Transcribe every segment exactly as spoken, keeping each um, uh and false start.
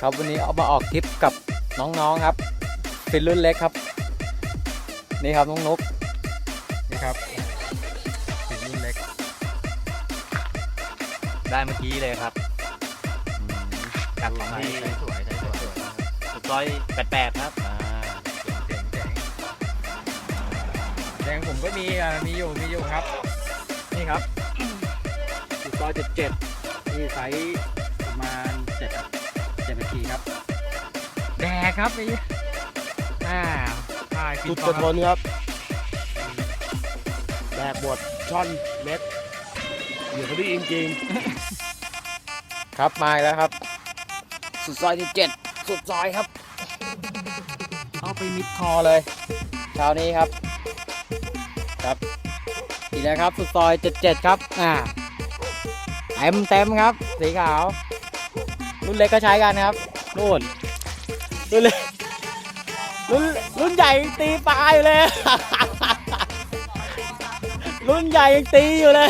ครับวันนี้เอามาออกทริปกับน้องๆครับเป็นรุ่นเล็กครับนี่ครับน้องนุ๊กนี่ครับเป็นรุ่นเล็กได้เมื่อกี้เลยครับจากของที่สวยสวยสุดซอยแปดแปดครับอ่าเจ๋งเจ๋งแดงผมก็มีอ่ามีอยู่มีอยู่ครับนี่ครับสุดซอยเจ็ดเจ็ดที่ไซส์ประมาณเจ็ดเจ็ดนาทีครับแดกครับนี่อ่าจุดกระทนครับแดกบดช่อนเม็ดเดี๋ยวเขาได้จริงๆครับมาแล้วครับสุดซอยที่เจ็ดสุดซอยครับเอาไปมิดคอเลยเช้านี้ครับครับอีกแล้วครับสุดซอยเจ็ดเจ็ดครับอ่าเต็มเต็มครับสีขาวรุ่นเล็กก็ใช้กันครับนู่นรุ่นเล็กรุ่นรุ่นใหญ่ยังตีปลาอยู่เลยรุ่นใหญ่ยังตีอยู่เลย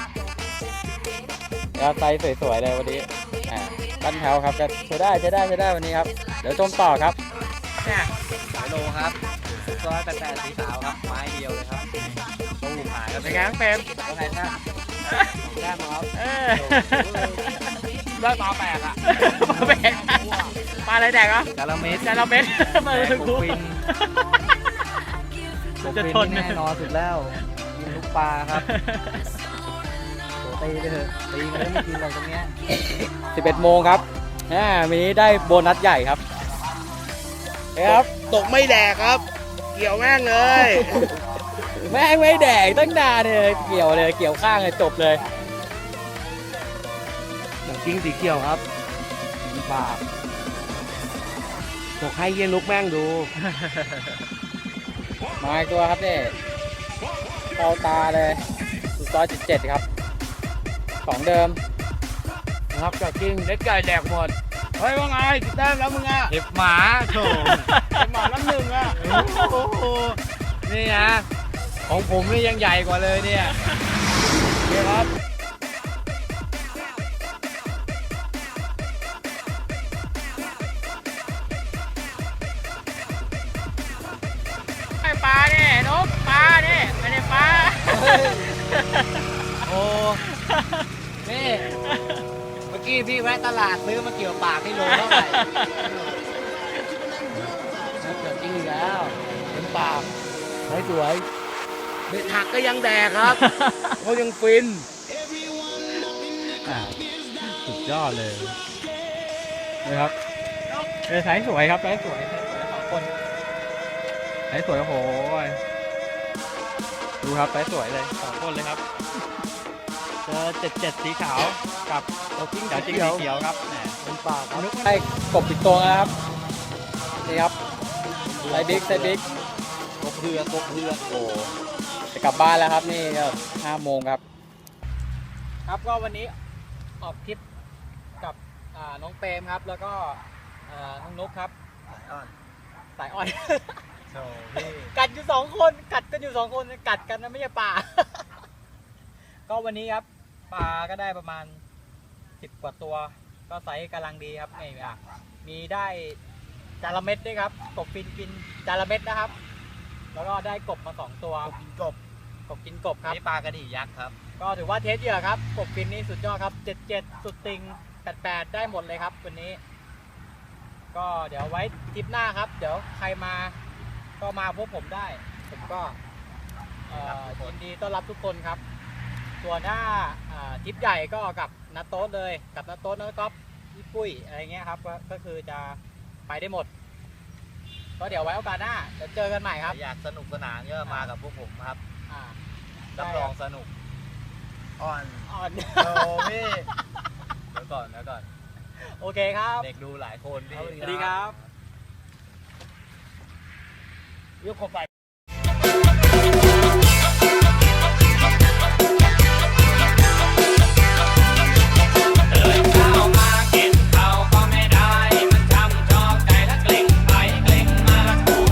ครับไซส์สวยๆเลยวันนี้อ่าตั้นแถวครับจะใช้ได้ใช้ได้ใช้ได้วันนี้ครับเดี๋ยวชมต่อครับเนี่ยสายโลครับสุดซอยแปดแปดสีขาวครับไม้เดียวเลยครับตู้หายครับเป็นไงครับเฟรมเป็นไงครับแก้มครับเลิกปลาแปลกอะปลาแปลกปลาอะไรแดกอ่ะจาระเม็ดจาระเม็ดมาถึงกูฟินจะทนแน่นอนสุดแล้วกินลูกปลาครับตีไปเถอะตีมันไม่กินหรอกตรงเนี้ยสิบเอ็ดโมงครับอ่าวันนี้ได้โบนัสใหญ่ครับครับตกไม่แดกครับเกี่ยวแม่งเลยแม่งไม่แดกตั้งนานเลยเกี่ยวเลยเกี่ยวข้างเลยจบเลยหนังกิ้งสีเขียวครับปากตกให้เย็นลุกแม่งดูมาอีกตัวครับนี่เข้าตาเลยสุดซอยเจ็ดเจ็ดครับของเดิมนะครับไก่กิ้งเล็กไก่แดกหมดเฮ้ยว่าไงติดแต้มแล้วมึงอ่ะเห็บหมาโถเห็บหมาน้ำหนึ่งอ่ะโอ้โหนี่ฮะของผมนี่ยังใหญ่กว่าเลยเนี่ยนี่ครับไอปลาเนี่ยนกปลาเนี่ยไม่ได้ปลาโอ้นี่เมื่อกี้พี่แวะตลาดซื้อมาเกี่ยวปากที่โลเท่าไหร่เกิดจริงแล้วเป็นปากสวยเบ็ดหักก็ยังแดกครับเขายังฟินสุดยอดเลยนะครับเป็นสายสวยครับสายสวยสองคนสายสวยโอ้โหดูครับสายสวยเลยสองคนเลยครับเจอเจ็ดเจ็ดสีขาวกับตัวกิ้งจ๋าจิ้งสีเขียวครับเป็นปากครับได้กบปิดตัวนะครับนี่ครับไซบิ๊กไซบิ๊กกบเรือกบเรือโอ้จะกลับบ้านแล้วครับนี่ก็ห้าโมงครับครับก็วันนี้ออกทริปกับน้องเปรมครับแล้วก็น้องนุ๊กครับสายอ่อนสายอ่อนกัดอยู่สองคนกัดกันอยู่สองคนกัดกันนะไม่ใช่ปลาก็วันนี้ครับปลาก็ได้ประมาณสิบกว่าตัวก็ไซส์กำลังดีครับนี่อ่ะมีได้จาระเม็ดด้วยครับกบฟินกินจาระเม็ดนะครับแล้วก็ได้กบมาสองตัวกินกบกบกินกบครับนี่ปลากระดี่ยักษ์ครับก็ถือว่าเทสเยอะครับกบฟินนี่สุดยอดครับเจ็ดเจ็ดสุดติงแปดแปดได้หมดเลยครับวันนี้ก็เดี๋ยวไว้ทริปหน้าครับเดี๋ยวใครมาก็มาพบผมได้ผมก็ยินดีต้อนรับทุกคนครับส่วนหน้าทริปใหญ่ก็กับนัทโต๊ดเลยกับนัทโต๊ดนัทก๊อฟพี่ปุ้ยอะไรเงี้ยครับก็คือจะไปได้หมดก็เดี๋ยวไว้โอกาสหน้าเดี๋ยวเจอกันใหม่ครับอยากสนุกสนานก็มากับพวกผมครับรับรองสนุกอ่อนอ่อนโอ้พี่เดี๋ยวก่อนเดี๋ยวก่อนโอเคครับเด็กดูหลายคนสวัสดีครับยกเข้าไป